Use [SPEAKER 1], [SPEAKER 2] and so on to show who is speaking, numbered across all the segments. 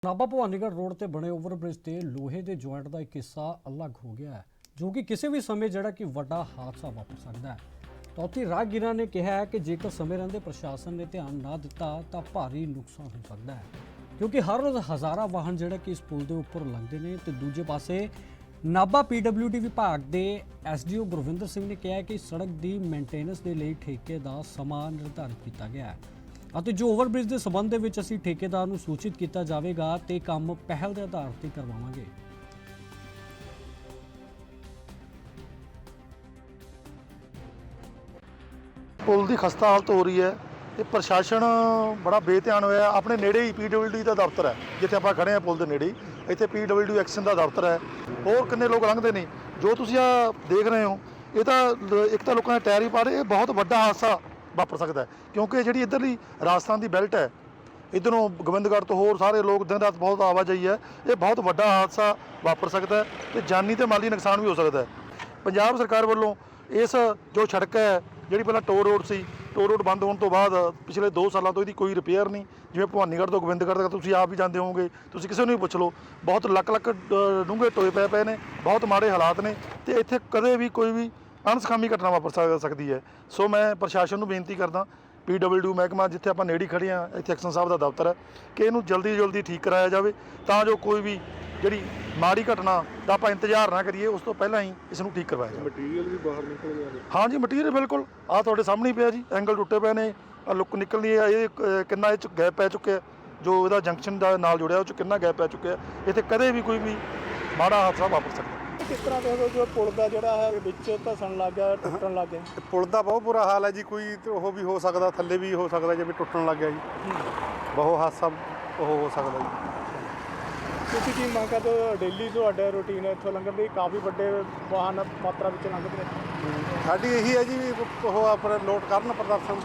[SPEAKER 1] Nabha Bhawanigarh road ਤੇ ਬਣੇ overbridge ਤੇ ਲੋਹੇ ਦੇ ਜੁਆਇੰਟ ਦਾ ਇੱਕ ਹਿੱਸਾ ਅਲੱਗ ਹੋ ਗਿਆ ਹੈ ਜੋ ਕਿ ਕਿਸੇ ਵੀ ਸਮੇਂ ਜਿਹੜਾ ਕਿ ਵੱਡਾ ਹਾਦਸਾ ਵਾਪਰ ਸਕਦਾ ਹੈ। ਤੌਤੀ ਰਾਹਗੀਰਾਂ ਨੇ ਕਿਹਾ ਹੈ ਕਿ ਜੇਕਰ ਸਮੇਂ ਰਹਿੰਦੇ ਪ੍ਰਸ਼ਾਸਨ ਨੇ ਧਿਆਨ ਨਾ ਦਿੱਤਾ ਤਾਂ ਭਾਰੀ ਨੁਕਸਾਨ ਹੋ ਸਕਦਾ ਹੈ ਕਿਉਂਕਿ ਹਰ ਰੋਜ਼ ਹਜ਼ਾਰਾਂ ਵਾਹਨ ਜਿਹੜਾ ਕਿ ਇਸ ਪੁਲ ਦੇ ਉੱਪਰ ਲੰਘਦੇ ਨੇ ਤੇ ਦੂਜੇ ਪਾਸੇ ਨਾਭਾ PWD ਵਿਭਾਗ ਦੇ SDO ਗੁਰਵਿੰਦਰ ਸਿੰਘ ਨੇ ਕਿਹਾ ਹੈ ਕਿ ਸੜਕ ਦੀ ਮੇਨਟੇਨੈਂਸ ਦੇ ਲਈ ਠੇਕੇ ਦਾ ਸਮਾਂ ਨਿਰਧਾਰਿਤ ਕੀਤਾ ਗਿਆ ਹੈ ਅਤੇ ਜੋ ਓਵਰਬ੍ਰਿਜ ਦੇ ਸਬੰਧ ਦੇ ਵਿੱਚ ਅਸੀਂ ਠੇਕੇਦਾਰ ਨੂੰ ਸੂਚਿਤ ਕੀਤਾ ਜਾਵੇਗਾ ਤੇ ਕੰਮ ਪਹਿਲ ਦੇ ਆਧਾਰ ਤੇ ਕਰਵਾਵਾਂਗੇ।
[SPEAKER 2] ਪੁਲ ਦੀ ਖਸਤਾ ਹਾਲਤ ਹੋ ਰਹੀ ਹੈ ਤੇ ਪ੍ਰਸ਼ਾਸਨ ਬੜਾ ਬੇਧਿਆਨ ਹੋਇਆ। ਆਪਣੇ ਨੇੜੇ ਹੀ PWD ਦਾ ਦਫ਼ਤਰ ਹੈ, ਜਿੱਥੇ ਆਪਾਂ ਖੜੇ ਹਾਂ ਪੁਲ ਦੇ ਨੇੜੇ ਹੀ ਇੱਥੇ PWD ਐਕਸ਼ਨ ਦਾ ਦਫ਼ਤਰ ਹੈ। ਹੋਰ ਕਿੰਨੇ ਲੋਕ ਲੰਘਦੇ ਨੇ, ਜੋ ਤੁਸੀਂ ਆ ਦੇਖ ਰਹੇ ਹੋ ਇਹ ਤਾਂ ਇੱਕ ਤਾਂ ਲੋਕਾਂ ਦੇ ਟਾਇਰ ਹੀ ਪਾ ਰਹੇ। ਇਹ ਬਹੁਤ ਵੱਡਾ ਹਾਦਸਾ ਵਾਪਰ ਸਕਦਾ ਹੈ ਕਿਉਂਕਿ ਜਿਹੜੀ ਇੱਧਰਲੀ ਰਾਜਸਥਾਨ ਦੀ ਬੈਲਟ ਹੈ, ਇੱਧਰੋਂ ਗੋਬਿੰਦਗੜ੍ਹ ਤੋਂ ਹੋਰ ਸਾਰੇ ਲੋਕ ਦਿਨ ਰਾਤ ਬਹੁਤ ਆਵਾਜਾਈ ਹੈ। ਇਹ ਬਹੁਤ ਵੱਡਾ ਹਾਦਸਾ ਵਾਪਰ ਸਕਦਾ ਹੈ ਤੇ ਜਾਨੀ ਤੇ ਮਾਲੀ ਨੁਕਸਾਨ ਵੀ ਹੋ ਸਕਦਾ ਹੈ। ਪੰਜਾਬ ਸਰਕਾਰ ਵੱਲੋਂ ਇਸ ਜੋ ਸੜਕ ਹੈ, ਜਿਹੜੀ ਪਹਿਲਾਂ ਟੋਲ ਰੋਡ ਸੀ, ਟੋਲ ਰੋਡ ਬੰਦ ਹੋਣ ਤੋਂ ਬਾਅਦ ਪਿਛਲੇ 2 ਸਾਲਾਂ ਤੋਂ ਇਹਦੀ ਕੋਈ ਰਿਪੇਅਰ ਨਹੀਂ। ਜਿਵੇਂ ਭਵਾਨੀਗੜ੍ਹ ਤੋਂ ਗੋਬਿੰਦਗੜ੍ਹ ਤੱਕ ਤੁਸੀਂ ਆਪ ਵੀ ਜਾਂਦੇ ਹੋਵੋਗੇ, ਤੁਸੀਂ ਕਿਸੇ ਨੂੰ ਵੀ ਪੁੱਛ ਲਓ, ਬਹੁਤ ਲੱਖ ਡੂੰਘੇ ਟੋਏ ਪਏ ਨੇ, ਬਹੁਤ ਮਾੜੇ ਹਾਲਾਤ ਨੇ ਤੇ ਇੱਥੇ ਕਦੇ ਵੀ ਕੋਈ ਵੀ ਅਣਸਖਾਮੀ ਘਟਨਾ ਵਾਪਰ ਸਕਦੀ ਹੈ। ਸੋ ਮੈਂ ਪ੍ਰਸ਼ਾਸਨ ਨੂੰ ਬੇਨਤੀ ਕਰਦਾ, PWD ਮਹਿਕਮਾ ਜਿੱਥੇ ਆਪਾਂ ਨੇੜੇ ਖੜੇ ਹਾਂ, ਇੱਥੇ ਐਕਸ਼ਨ ਸਾਹਿਬ ਦਾ ਦਫ਼ਤਰ ਹੈ, ਕਿ ਇਹਨੂੰ ਜਲਦੀ ਠੀਕ ਕਰਾਇਆ ਜਾਵੇ ਤਾਂ ਜੋ ਕੋਈ ਵੀ ਜਿਹੜੀ ਮਾੜੀ ਘਟਨਾ ਦਾ ਆਪਾਂ ਇੰਤਜ਼ਾਰ ਨਾ ਕਰੀਏ, ਉਸ ਤੋਂ ਪਹਿਲਾਂ ਹੀ ਇਸ ਨੂੰ ਠੀਕ ਕਰਵਾਇਆ ਜਾਵੇ।
[SPEAKER 3] ਮਟੀਰੀਅਲ ਵੀ ਬਾਹਰ ਨਿਕਲ ਗਿਆ।
[SPEAKER 2] ਹਾਂ ਜੀ, ਮਟੀਰੀਅਲ ਬਿਲਕੁਲ ਆਹ ਤੁਹਾਡੇ ਸਾਹਮਣੇ ਹੀ ਪਿਆ ਜੀ, ਐਂਗਲ ਟੁੱਟੇ ਪਏ ਨੇ, ਲੁੱਕ ਨਿਕਲਦੀ ਹੈ। ਇਹ ਕਿੰਨਾ ਇਹ 'ਚ ਗੈਪ ਪੈ ਚੁੱਕਿਆ, ਜੋ ਇਹਦਾ ਜੰਕਸ਼ਨ ਦਾ ਨਾਲ ਜੁੜਿਆ ਉਹ 'ਚ ਕਿੰਨਾ ਗੈਪ ਪੈ ਚੁੱਕਿਆ। ਇੱਥੇ ਕਦੇ ਵੀ ਕੋਈ ਵੀ ਮਾੜਾ ਹਾਦਸਾ ਵਾਪਰ ਸਕਦਾ।
[SPEAKER 4] ਕਿਸ ਤਰ੍ਹਾਂ ਦੇਖੋ ਜੋ ਪੁਲ ਦਾ ਜਿਹੜਾ ਹੈ ਵਿੱਚ ਧਸਣ ਲੱਗ ਗਿਆ, ਟੁੱਟਣ ਲੱਗ ਗਿਆ।
[SPEAKER 3] ਪੁਲ ਦਾ ਬਹੁਤ ਬੁਰਾ ਹਾਲ ਹੈ ਜੀ, ਕੋਈ ਉਹ ਵੀ ਹੋ ਸਕਦਾ, ਥੱਲੇ ਵੀ ਹੋ ਸਕਦਾ, ਜਿਵੇਂ ਟੁੱਟਣ ਲੱਗ ਗਿਆ ਜੀ। ਬਹੁਤ ਹਾਦਸਾ ਉਹ ਹੋ ਸਕਦਾ ਜੀ।
[SPEAKER 4] ਤੁਸੀਂ ਕੀ ਮੰਗ ਕਰਦੇ ਹੋ? ਡੇਲੀ ਤੁਹਾਡਾ ਰੂਟੀਨ ਇੱਥੋਂ ਲੰਘਣ ਦੀ, ਕਾਫੀ ਵੱਡੇ ਵਾਹਨ ਮਾਤਰਾ ਵਿੱਚ ਲੰਘਦੇ ਨੇ।
[SPEAKER 3] ਸਾਡੀ ਇਹੀ ਹੈ ਜੀ ਵੀ ਉਹ ਆਪਣਾ ਲੋਡ ਕਰਨ ਪ੍ਰਦਰਸ਼ਨ।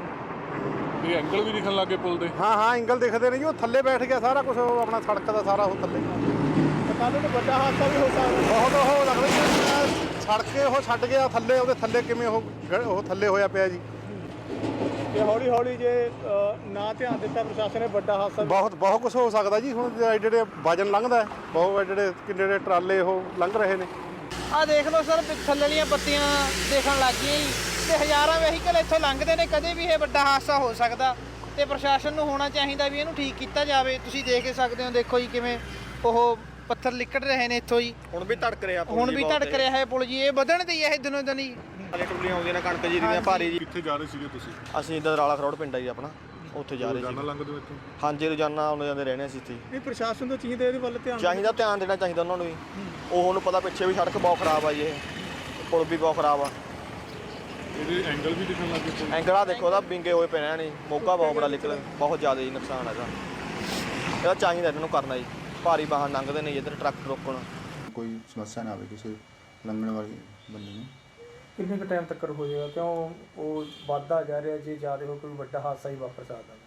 [SPEAKER 5] ਇਹ ਐਂਗਲ ਵੀ ਦਿਖਣ ਲੱਗੇ ਪੁਲ ਦੇ।
[SPEAKER 3] ਹਾਂ ਐਂਗਲ ਦਿਖਦੇ ਨੇ ਜੀ, ਉਹ ਥੱਲੇ ਬੈਠ ਗਿਆ ਸਾਰਾ ਕੁਝ, ਉਹ ਆਪਣਾ ਸੜਕ ਦਾ ਸਾਰਾ ਉਹ ਥੱਲੇ।
[SPEAKER 4] ਕੱਲ੍ਹ ਨੂੰ ਵੱਡਾ ਹਾਦਸਾ ਵੀ ਹੋ ਸਕਦਾ।
[SPEAKER 3] ਬਹੁਤ ਉਹ ਲੱਗਦਾ ਜੀ, ਸੜਕੇ ਉਹ ਛੱਡ ਗਿਆ ਥੱਲੇ, ਉਹਦੇ ਥੱਲੇ ਕਿਵੇਂ ਉਹ ਥੱਲੇ ਹੋਇਆ ਪਿਆ ਜੀ।
[SPEAKER 4] ਤੇ ਹੌਲੀ ਜੇ ਨਾ ਧਿਆਨ ਦਿੱਤਾ ਪ੍ਰਸ਼ਾਸਨ ਨੇ, ਵੱਡਾ ਹਾਦਸਾ
[SPEAKER 3] ਬਹੁਤ ਕੁਝ ਹੋ ਸਕਦਾ ਜੀ। ਹੁਣ ਜਿਹੜੇ ਵਜਨ ਲੰਘਦਾ ਹੈ, ਬਹੁਤ ਜਿਹੜੇ ਕਿੰਨੇ ਟਰਾਲੇ ਉਹ ਲੰਘ ਰਹੇ ਨੇ।
[SPEAKER 6] ਆ ਦੇਖ ਲਓ ਸਰ, ਥੱਲੇ ਵਾਲੀਆਂ ਬੱਤੀਆਂ ਦੇਖਣ ਲੱਗ ਗਈਆਂ ਜੀ ਤੇ ਹਜ਼ਾਰਾਂ ਵਹੀਕਲ ਇੱਥੋਂ ਲੰਘਦੇ ਨੇ। ਕਦੇ ਵੀ ਇਹ ਵੱਡਾ ਹਾਦਸਾ ਹੋ ਸਕਦਾ ਤੇ ਪ੍ਰਸ਼ਾਸਨ ਨੂੰ ਹੋਣਾ ਚਾਹੀਦਾ ਵੀ ਇਹਨੂੰ ਠੀਕ ਕੀਤਾ ਜਾਵੇ। ਤੁਸੀਂ ਦੇਖ ਸਕਦੇ ਹੋ, ਦੇਖੋ ਜੀ ਕਿਵੇਂ ਉਹ ਪੱਥਰ ਲਿਕੜ ਰਹੇ ਨੇ ਇੱਥੋਂ ਜੀ।
[SPEAKER 7] ਹੁਣ ਵੀ ਧੜਕ ਰਿਹਾ
[SPEAKER 6] ਹੈ ਪੁਲ ਜੀ। ਇਹ ਵਧਣ ਦੀ ਹੈ ਦਿਨੋਂ ਦਿਨ ਜੀ।
[SPEAKER 7] ਟੁੱਲੀਆਂ ਆਉਂਦੀਆਂ ਨੇ ਕਣਕ ਜੀ ਦੀਆਂ ਭਾਰੀ ਜੀ।
[SPEAKER 5] ਕਿੱਥੇ ਜਾ ਰਹੇ ਸੀਗੇ ਤੁਸੀਂ?
[SPEAKER 7] ਅਸੀਂ ਇੱਧਰ ਰਾਲਾ ਖਰੋੜ ਪਿੰਡ ਆ ਜੀ ਆਪਣਾ, ਉੱਥੇ ਜਾ ਰਹੇ ਸੀ।
[SPEAKER 5] ਰੋਜ਼ਾਨਾ ਲੰਘਦੇ ਹੋ ਇੱਥੋਂ?
[SPEAKER 7] ਹਾਂਜੀ, ਰੋਜ਼ਾਨਾ ਆਉਂਦੇ ਜਾਂਦੇ ਰਹਿਣੇ ਅਸੀਂ ਇੱਥੇ।
[SPEAKER 4] ਇਹ ਪ੍ਰਸ਼ਾਸਨ ਤੋਂ ਚਾਹੀਦਾ ਇਹਦੇ ਵੱਲ ਧਿਆਨ
[SPEAKER 7] ਦੇਣਾ ਚਾਹੀਦਾ ਉਹਨਾਂ ਨੂੰ ਵੀ। ਉਹ ਨੂੰ ਪਤਾ ਪਿੱਛੇ ਵੀ ਸੜਕ ਬਹੁਤ ਖਰਾਬ ਆ ਜੀ, ਇਹ ਪੁਲ ਵੀ ਬਹੁਤ ਖਰਾਬ ਆ।
[SPEAKER 5] ਇਹਦੇ ਐਂਗਲ ਵੀ ਦਿਖਣ ਲੱਗੇ ਪੁਲ।
[SPEAKER 7] ਐਂਗਲ ਆ ਦੇਖੋ, ਉਹਦਾ ਵਿੰਗੇ ਹੋਏ ਪਏ ਨੇ, ਮੋਗਾ ਬਹੁਤ ਬੜਾ ਨਿਕਲ, ਬਹੁਤ ਜ਼ਿਆਦਾ ਜੀ ਨੁਕਸਾਨ ਹੈਗਾ। ਇਹਦਾ ਚਾਹੀਦਾ ਇਹਨਾਂ ਨੂੰ ਕਰਨਾ ਜੀ। ਭਾਰੀ ਵਾਹਨ ਲੰਘਦੇ ਨੇ ਇੱਧਰ, ਟਰੱਕ ਰੋਕਣ।
[SPEAKER 8] ਕੋਈ ਸਮੱਸਿਆ ਨਾ ਆਵੇ ਕਿਸੇ ਲੰਘਣ ਵਾਲੇ ਬੰਦੇ ਨੂੰ।
[SPEAKER 4] ਕਿੰਨੇ ਕੁ ਟਾਈਮ ਤੱਕ ਹੋ ਜਾਏਗਾ, ਕਿਉਂ ਉਹ ਵੱਧਦਾ ਜਾ ਰਿਹਾ? ਜੇ ਜ਼ਿਆਦਾ ਹੋ ਕੋਈ ਵੱਡਾ ਹਾਦਸਾ ਹੀ ਵਾਪਰ ਸਕਦਾ।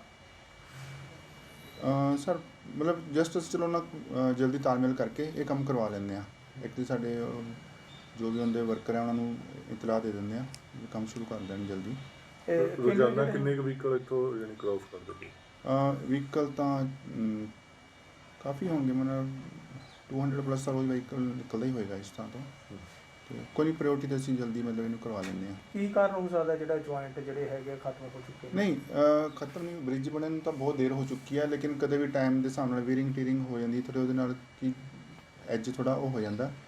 [SPEAKER 8] ਸਰ ਮਤਲਬ ਜਸਟ ਚਲੋ ਨਾ ਜਲਦੀ ਤਾਲਮੇਲ ਕਰਕੇ ਇਹ ਕੰਮ ਕਰਵਾ ਲੈਂਦੇ ਹਾਂ। ਇੱਕ ਤਾਂ ਸਾਡੇ ਜੋ ਵੀ ਹੁੰਦੇ ਵਰਕਰ ਹੈ ਉਹਨਾਂ ਨੂੰ ਇਤਲਾਹ ਦੇ ਦਿੰਦੇ ਹਾਂ, ਕੰਮ ਸ਼ੁਰੂ ਕਰ ਦੇਣ ਜਲਦੀ।
[SPEAKER 5] ਰੋਜ਼ਾਨਾ ਕਿੰਨੇ ਕੁ ਵਹੀਕਲ ਇੱਥੋਂ ਯਾਨੀ ਕ੍ਰੋਸ ਕਰਦੇ?
[SPEAKER 8] ਵਹੀਕਲ ਤਾਂ ਕਾਫੀ ਹੋਣਗੇ, ਮਤਲਬ 200 ਪਲੱਸ ਤਾਂ ਰੋਜ਼ ਵਹੀਕਲ ਨਿਕਲਦਾ ਹੀ ਹੋਏਗਾ ਇਸ ਤਰ੍ਹਾਂ ਤੋਂ। ਅਤੇ ਕੋਈ ਪ੍ਰਾਇਓਰਟੀ ਤਾਂ ਅਸੀਂ ਜਲਦੀ ਮਤਲਬ ਇਹਨੂੰ ਕਰਵਾ ਲੈਂਦੇ ਹਾਂ।
[SPEAKER 4] ਕੀ ਕਾਰਨ ਹੋ ਸਕਦਾ ਜਿਹੜਾ ਜੁਆਇੰਟ ਜਿਹੜੇ ਹੈਗੇ ਖਤਮ ਹੋ ਚੁੱਕੇ?
[SPEAKER 8] ਨਹੀਂ, ਖਤਮ ਨਹੀਂ, ਬ੍ਰਿਜ ਬਣਨ ਨੂੰ ਤਾਂ ਬਹੁਤ ਦੇਰ ਹੋ ਚੁੱਕੀ ਹੈ, ਲੇਕਿਨ ਕਦੇ ਵੀ ਟਾਈਮ ਦੇ ਹਿਸਾਬ ਨਾਲ ਵੀਰਿੰਗ ਟੀਰਿੰਗ ਹੋ ਜਾਂਦੀ ਥੋੜ੍ਹੀ, ਉਹਦੇ ਨਾਲ ਕਿ ਐਜ ਥੋੜ੍ਹਾ ਉਹ ਹੋ ਜਾਂਦਾ।